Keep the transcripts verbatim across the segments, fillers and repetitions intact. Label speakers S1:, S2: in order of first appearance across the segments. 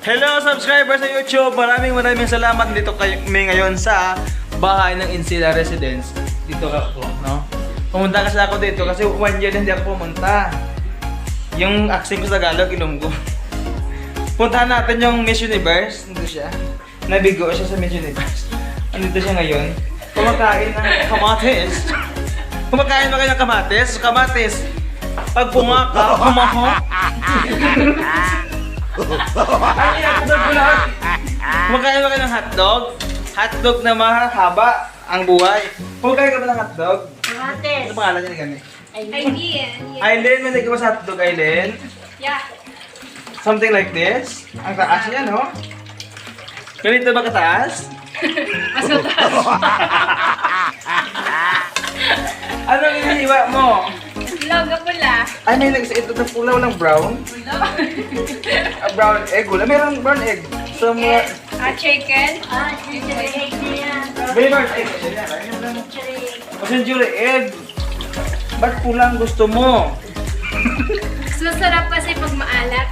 S1: Hello subscribers sa YouTube! Maraming maraming salamat dito kami ngayon sa bahay ng Insila Residence. Dito ako, no? Pumunta kasi ako dito kasi one year na hindi ako pumunta. Yung accent ko sa Tagalog, inom ko. Puntahan natin yung Miss Universe. Nandito siya. Nabigo siya sa Miss Universe. Nandito siya ngayon. Kumakain ng kamatis. Kumakain ba kayo ng kamatis? Kamatis. Pag pumaka, kumaho. Ay, hotdog ko lahat. Kumakain ba kayo ng hotdog? Hotdog na mahaba ang buhay. Kumakain ka ba ng hotdog?
S2: Kamatis.
S1: Ano pangalan niya ni Gani?
S2: Aileen.
S1: Aileen, may nagkawa sa hotdog, Aileen.
S2: Yeah.
S1: Something like this. Ang taas yan, no? Ganito ba kataas?
S2: Mas mataas.
S1: Anong inihiwa mo?
S2: Logo pula.
S1: Ay, may nagsa ito na pula, walang brown. A brown egg, wala. Mayroong brown egg. So, mga...
S2: Ah, chicken. Ah, chicken.
S1: May brown egg. Pasensya egg. Ba't pulang gusto mo?
S2: Mas masarap kasi pag maalat.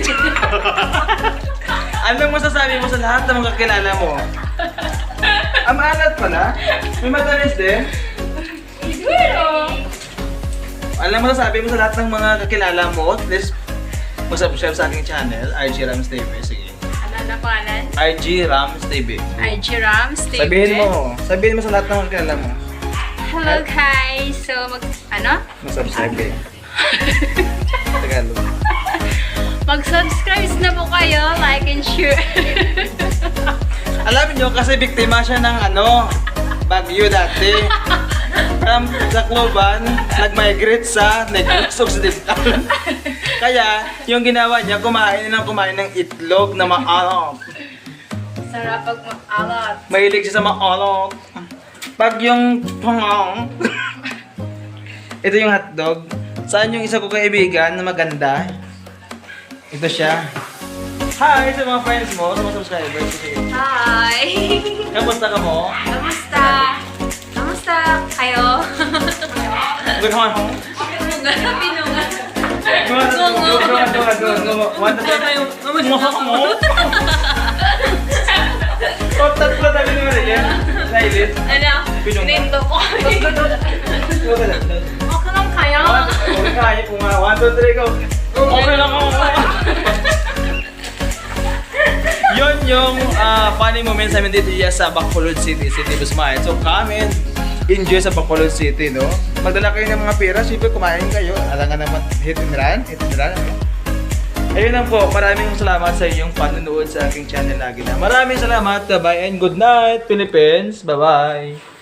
S1: Anong masasabi mo sa lahat ng mga kakilala mo? Ang maalat pala? May matamis din?
S2: Siguro.
S1: Alam mo sabi mo sa lahat ng mga kakilala mo, please mag-subscribe sa aking channel, R G Rams T V. Sige.
S2: Ano na pangalan?
S1: R G Rams T V.
S2: I G Rams.
S1: Sabihin mo, sabihin mo sa lahat ng mga kakilala mo.
S2: Hello guys. So, mag... Ano?
S1: Mag-subscribe kayo. Tagalog.
S2: Mag-subscribe na po kayo. Like and share.
S1: Alam niyo kasi biktima siya ng ano, bagyo dati. Um, sa Cloban, nag-migrate sa Negros Occidental. Kaya, yung ginawa niya, kumain ng kumain ng itlog na maalot.
S2: Sarap pag maalat.
S1: Mahilig siya sa maalot. Pag yung pangong, ito yung hotdog. Saan yung isa ko kaibigan na maganda? Ito siya. Hi sa mga friends mo, sa mga subscribers. Sige.
S2: Hi!
S1: Kamusta ka mo?
S2: Kamusta? Kamusta kayo?
S1: Good morning.
S2: Pinunga, pinunga.
S1: Go, go, go, go, go. One, two, three. Mo mo. Oh, tatlo tayo naman yan. Silent.
S2: Ano?
S1: Pinunga.
S2: Pinindo ko.
S1: Go, go, go.
S2: Okay lang kayo?
S1: Okay, kaya po nga. One, two, three, go. Okay lang ako. Yun yung uh, funny moments namin dito sa Bacolod City, City Busmayan. So, come and enjoy sa Bacolod City, no? Magdala kayo ng mga pera, siyempre kumain kayo. Alam nga naman, hit and run, hit and run, ano? Ayun lang po, maraming salamat sa iyong panunood sa aking channel lagi na. Maraming salamat, bye and good night, Philippines. Bye-bye.